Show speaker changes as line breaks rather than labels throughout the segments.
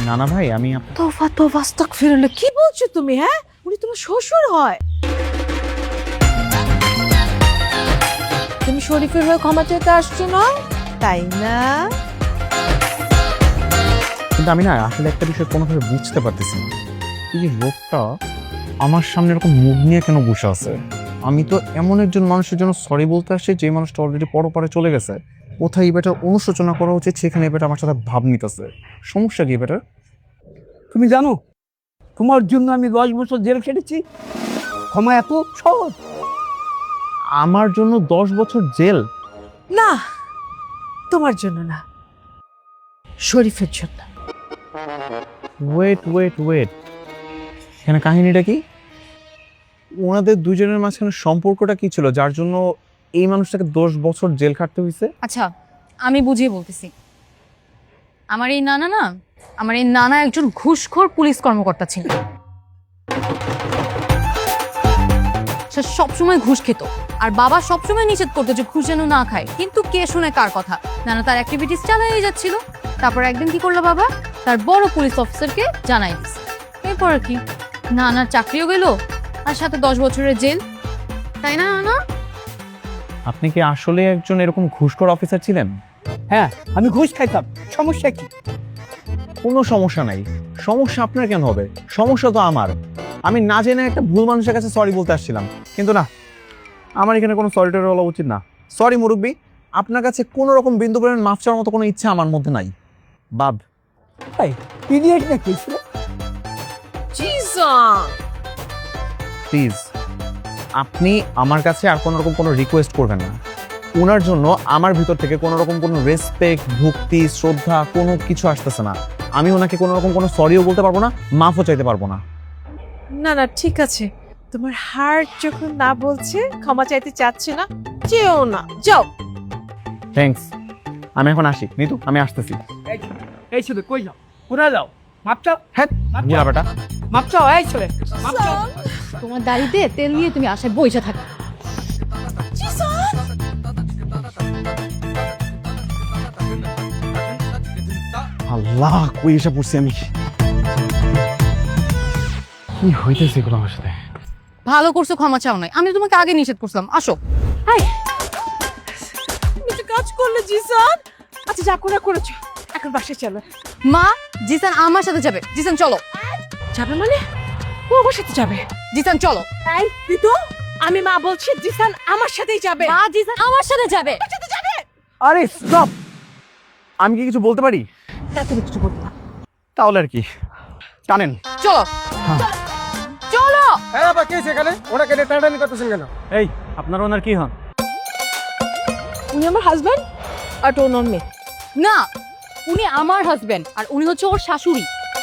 না না ভাই, আমি
তোফা তোফা আস্তাগফিরুল্লাহ, কি বলছো তুমি? হ্যাঁ, উনি তোমার শ্বশুর হয়। তুমি শরীফের হয়ে ক্ষমা চাইতে আসছো না, তাই না?
কিন্তু আমি না আসলে একটা বিষয় কোনোভাবে বুঝতে পারতেছি না, এই যে লোকটা আমার সামনে এরকম মুখ নিয়ে কেন বসে আছে? আমি তো এমন একজন মানুষের জন্য সরি বলতে আসছি যে মানুষটা অলরেডি পরপারে চলে গেছে। কোথায় এই বেটার অনুশোচনা করা উচিত, সেখানে এই বেটা আমার সাথে ভাব নিতেছে। সমস্যা কি বেটার?
তুমি জানো তোমার জন্য আমি 10 বছর জেল খেটেছি। ক্ষমা এত সহজ?
আমার জন্য 10 বছর জেল?
না, তোমার জন্য না, শরীফের জন্য।
ওয়েট ওয়েট ওয়েট, এখানে কাহিনীটা কি? ওনাদের দুজনের মাঝখানে সম্পর্কটা কি ছিল যার জন্য এই মানুষটাকে 10 বছর জেল খাটতে হয়েছে?
আচ্ছা, আমি বুঝিয়ে বলতেছি। আমার এই নানা একজন ঘুষখোর পুলিশ কর্মকর্তা ছিল। সে সবসময় ঘুষ খেত, আর বাবা সবসময় নিষেধ করতো যে ঘুষ যেন না খায়। কিন্তু কে শুনে কার কথা? নানা তার অ্যাক্টিভিটিস চালিয়ে যাচ্ছিল। তারপর একদিন কি করলো বাবা? তার বড় পুলিশ অফিসারকে জানাই দিচ্ছে। এরপর কি, নানার চাকরিও গেল, আর সাথে 10 বছরের জেল। তাই না নানা?
আপনি কি আসলে একজন এরকম ঘুষখোর অফিসার ছিলেন?
হ্যাঁ, আমি ঘুষ খাইতাম। সমস্যা কি?
কোনো সমস্যা নাই। সমস্যা আপনার কেন হবে? সমস্যা তো আমার। আমি না জেনে একটা ভুল মানুষের কাছে সরি বলতে আসছিলাম, কিন্তু না, আমার এখানে কোনো সরি টরি বলা উচিত না। সরি মুরব্বি, আপনার কাছে কোনো রকম বিন্দু পরিমাণ মাফ চাওয়ার মতো কোনো ইচ্ছা আমার মধ্যে নাই। বাদ।
ভাই ইডিয়েট নাকি?
জিসান,
প্লিজ আপনি আমার কাছে আর কোনো রকম কোনো রিকোয়েস্ট করবেন না। ওনার জন্য আমার ভিতর থেকে কোনো রকম কোনো রেসপেক্ট, ভক্তি, শ্রদ্ধা কোনো কিছু আসতেছে না। আমি ওনাকে কোনো রকম কোনো সরিও বলতে পারবো না, মাফও চাইতে পারবো না।
না না, ঠিক আছে, তোমার হার্ট যখন না বলছে, ক্ষমা চাইতে চাচ্ছে না, যেও না, যাও।
থ্যাঙ্কস, আমি এখন আসি। নিতু, আমি আসতেছি।
এই ছেলে কই যাও? কোথায় যাও? মাপ চাও।
হ্যাঁ বুড়া বেটা।
মাপ চাও এই ছেলে, মাপ চাও।
তোমার দাড়িতে তেল নিয়ে তুমি আশায় বইসা থাকো।
আল্লাহ, কই এসে পড়ছি আমি? কি হইতেছে এগুলো আমার সাথে?
ভালো করছো ক্ষমা চাও নাই, আমি তোমাকে আগে নিষেধ করছিলাম। আসো। হাই,
তুমি তো কাজ করলে জিসান। আচ্ছা, যা করে করেছো, এখন বাসায় চলো।
মা, জিসান আমার সাথে যাবে। জিসান চলো।
যাবে মানে? ও আমার সাথে যাবে?
জিসান চলো।
এই ঋতু, আমি মা বলছি, জিসান আমার সাথেই যাবে।
মা, জিসান আমার সাথে যাবে।
আরে স্টপ! আমি কি কিছু বলতে পারি?
তুমি কিছু বলতে না।
তাহলে আর কি, টানেন।
চলো চলো।
এই বাবা কে সেখানে? ওনাকে টানাটানি করতেছেন কেন?
এই, আপনার ওনার কি হন?
উনি আমার হাজবেন্ড আর টোন অন মি।
না, উনি আমার হাজবেন্ড আর উনি হচ্ছে ওর শাশুড়ি।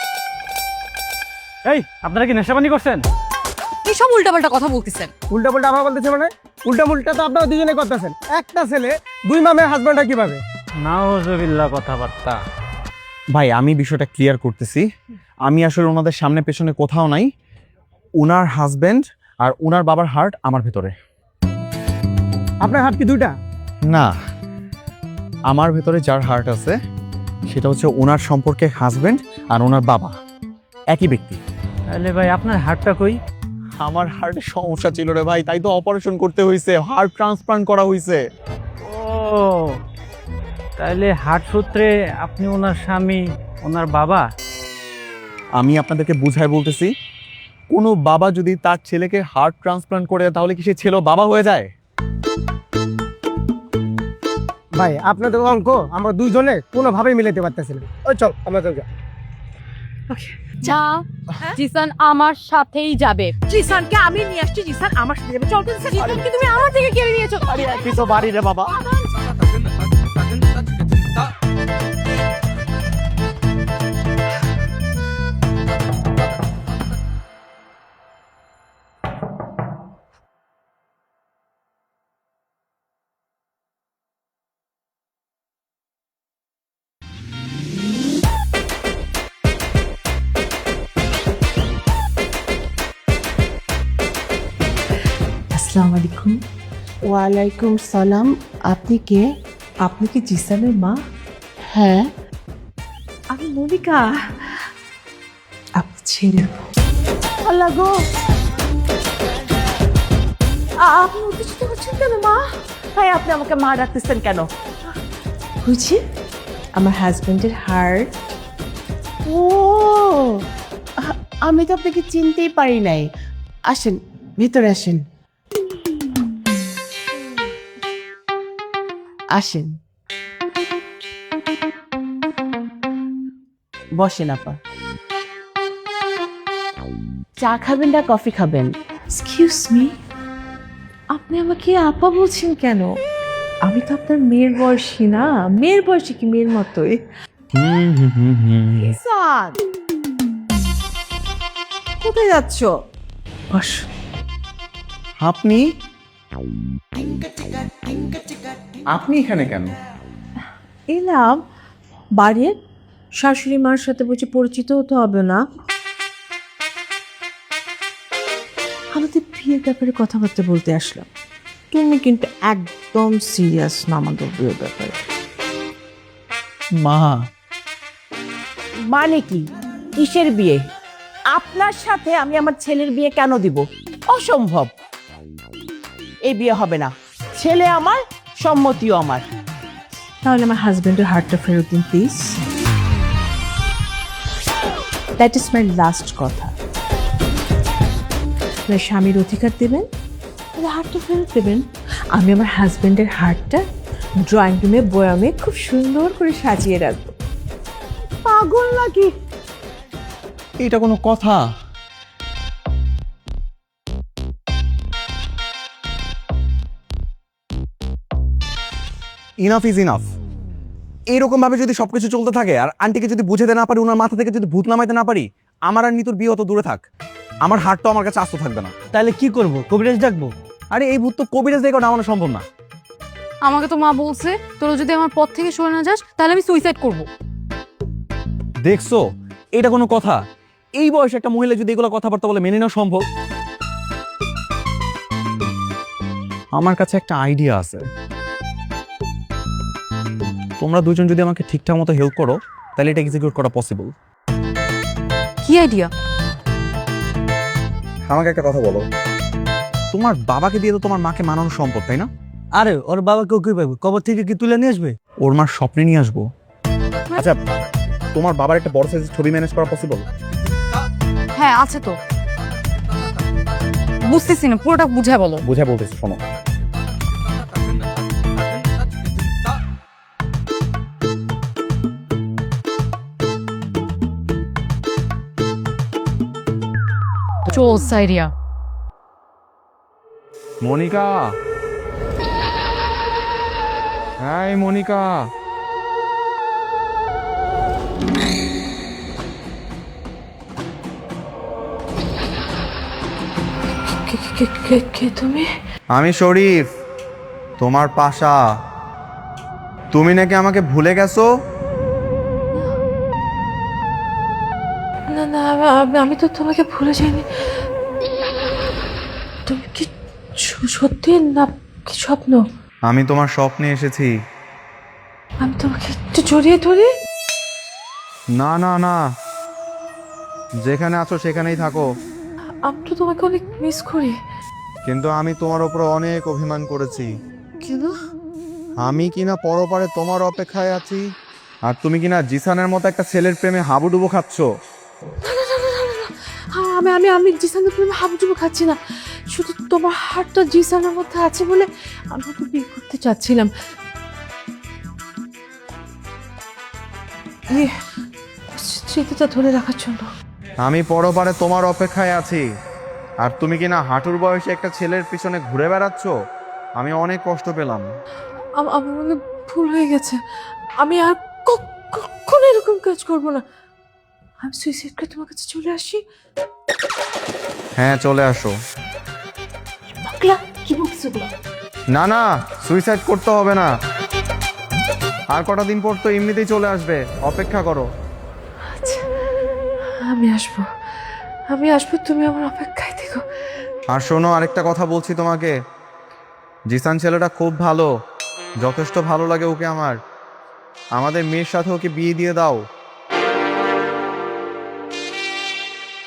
এই, আপনারা কি নেশাবানি করছেন?
এইসব উল্টাপাল্টা কথা বলতেছেন।
উল্টা পাল্টা আবার বলতেছে মানে? উল্টা মুল্টা তো আপনারা দুজনে করতেছেন। একটা ছেলে দুই মামের হাজবেন্ড হয় কিভাবে?
নাউজুবিল্লাহ কথাবার্তা। ভাই, আমি বিষয়টা ক্লিয়ার করতেছি। আমি আসলে ওনাদের সামনে পেছনে কোথাও নাই। ওনার হাজবেন্ড আর ওনার বাবার হার্ট আমার ভেতরে।
আপনার হাত কি দুইটা?
না, আমার ভেতরে যার হার্ট আছে সেটা হচ্ছে ওনার সম্পর্কে হাজবেন্ড আর ওনার বাবা একই ব্যক্তি।
তাহলে ভাই আপনার হার্টটা কই?
আমার হার্টে সমস্যা ছিল রে ভাই, তাই তো অপারেশন করতে হয়েছে, হার্ট ট্রান্সপ্লান্ট করা হয়েছে।
ও, তাহলে হার্ট সূত্রে আপনি ওনার স্বামী, ওনার বাবা।
আমি আপনাদেরকে বুঝাই বলতেছি, কোনো বাবা যদি তার ছেলেকে হার্ট ট্রান্সপ্লান্ট করে তাহলে কি সে ছেলেও বাবা হয়ে যায়?
ভাই আপনাদের অঙ্ক আমরা দুইজনে কোনোভাবেই মিলাতে পারতেছি না। ওই চল আমরা চল।
যা, জিসান আমার সাথেই যাবে।
জিসানকে আমি নিয়ে আসছি, জিসান আমার সাথে যাবে। চল তো জিসান।
জিসানকে তুমি আমার থেকে কেড়ে নিয়েছো।
আরে তুই তো বাড়ি রে বাবা।
আসসালামু আলাইকুম।
ওয়ালাইকুম সালাম। আপনি কে?
আপনি কি জিসানের মা?
হ্যাঁ।
আমি মনিকা, ছেলের
আল্লাহ গো,
আপনি উত্তেজিত হচ্ছেন কেন মা?
ভাই আপনি আমাকে মা ডাকতেছেন কেন?
বুঝি আমার হাজবেন্ডের হার্ট।
ও, আমি তো আপনাকে চিনতেই পারি নাই। আসেন, ভিতরে আসেন। আসেন, বসেন আপা। চা খাবেন না কফি খাবেন?
এক্সকিউজ মি, আপনি আমাকে আপা বলছেন কেন? আমি তো আপনার মেয়ের বয়সী না। মেয়ের বয়সী কি মেয়ের মতোই। সাদ, কোথায় যাচ্ছ?
বস। আপনি আপনি এখানে কেন?
এলাম বাড়ির শাশুড়ি মার সাথে বসে পরিচিত হতে হবে না? আমাদের বিয়ের ব্যাপারে কথাবার্তা বলতে আসলাম। তুমি কিন্তু একদম সিরিয়াস না আমাদের বিয়ের ব্যাপারে।
মা,
মানে কি? কিসের বিয়ে? আপনার সাথে আমি আমার ছেলের বিয়ে কেন দিব? অসম্ভব, এই বিয়ে হবে না। ছেলে আমার, সম্মতিও আমার।
তাহলে আমার হাজবেন্ডের হার্টটা ফেরত দিন please. That is my last কথা। আপনার স্বামীর অধিকার দেবেন, তাহলে হার্টটা ফেরত দেবেন। আমি আমার হাজবেন্ডের হার্টটা ড্রয়িং রুমে বয়ামে খুব সুন্দর করে সাজিয়ে রাখবো।
পাগল নাকি?
এটা কোনো কথা? Enough is enough. এইরকম ভাবে যদি সবকিছু চলতে থাকে আর আন্টিকে যদি বুঝাতে না পারি, ওনার মাথা থেকে যদি ভূত নামাইতে না পারি, আমার আর নিতুর বিয়ে অত দূরে থাক, আমার হার্ট তো আমার কাছে আস্ত থাকবে না।
তাহলে কি করব? কবিরাজ ডাকবো?
আরে এই ভূত তো কবিরাজ দেখো নামানো সম্ভব না।
আমাকে তো মা বলছে তোরা যদি আমার পথ থেকে সরে না যাস তাহলে আমি সুইসাইড করব।
দেখছো, এটা কোনো কথা? এই বয়সে একটা মহিলা যদি এগুলো কথাবার্তা বলে মেনে নেওয়া সম্ভব? আমার কাছে একটা আইডিয়া আছে। তোমরা দুজন যদি আমাকে ঠিকঠাক মতো হেল্প করো তাহলে এটা এক্সিকিউট করা পসিবল।
কি আইডিয়া?
আমাকে একটা কথা বলো, তোমার বাবাকে দিয়ে তো তোমার মাকে মানানো সম্ভব, তাই না?
আরে ওর বাবাকেও কি পাবো? কবর থেকে কি তুলে নিয়ে আসবে?
ওর মার স্বপ্নে নিয়ে আসবো। আচ্ছা, তোমার বাবার একটা বড় সাইজের ছবি ম্যানেজ করা পসিবল?
হ্যাঁ আছে তো। বুঝতেছি না, পুরোটা বুঝায় বলো।
বুঝে বলতেছি, শোনো।
চোস আইডিয়া।
মনিকা, হাই মনিকা।
কে তুমি?
আমি শরীফ, তোমার পাশা। তুমি নাকি আমাকে ভুলে গেছো?
না না, আমি তো তোমাকে ভুলে যাইনি। তুমি কি সত্যি না কি স্বপ্ন?
আমি তোমার স্বপ্নে এসেছি।
আমি তোমাকে একটু জড়িয়ে ধরি।
না না না, যেখানে আছো সেখানেই থাকো।
আমি তো তোমাকে অনেক মিস করি।
কিন্তু আমি তোমার উপর অনেক অভিমান করেছি।
কেন?
আমি কিনা পরপারে তোমার অপেক্ষায় আছি, আর তুমি কিনা জিসানের মতো একটা ছেলের প্রেমে হাবুডুবু খাচ্ছ।
আমি আমি আমি জিসানের প্রেমে হাবুডুবু খাচ্ছি না। শুধু তোমার হাতটা জিসানের মধ্যে আছে বলে আমি তো বিয়ে করতে চাচ্ছিলাম। স্মৃতিটা ধরে রাখার জন্য।
আমি পরপারে তোমার অপেক্ষায় আছি, আর তুমি কিনা হাঁটুর বয়সে একটা ছেলের পিছনে ঘুরে বেড়াচ্ছ। আমি অনেক কষ্ট পেলাম।
আমার মনে ভুল হয়ে গেছে। আমি আর কখনো এরকম কাজ করব না। আমি সুইসাইড করে তোমার কাছে চলে আসি।
হ্যাঁ, চলে আসো।
পাগলা, কি বলছো এগুলো?
না না, সুইসাইড করতে হবে না। আর কটা দিন পর তো এমনিতেই চলে আসবে, অপেক্ষা করো।
আচ্ছা, আমি আসবো, তুমি আমার অপেক্ষায় থেকো।
আর শোনো, আরেকটা কথা বলছি তোমাকে। জিসান ছেলেটা খুব ভালো, যথেষ্ট ভালো লাগে ওকে আমার। আমাদের মেয়ের সাথে ওকে বিয়ে দিয়ে দাও।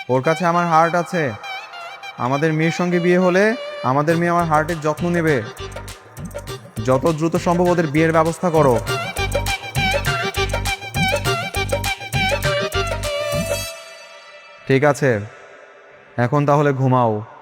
ওর কাছে আমার হার্ট আছে। আমাদের মেয়ের সঙ্গে বিয়ে হলে আমাদের মেয়ে আমার হার্টের যত্ন নেবে। যত দ্রুত সম্ভব ওদের বিয়ের ব্যবস্থা করো। ঠিক আছে, এখন তাহলে ঘুমাও।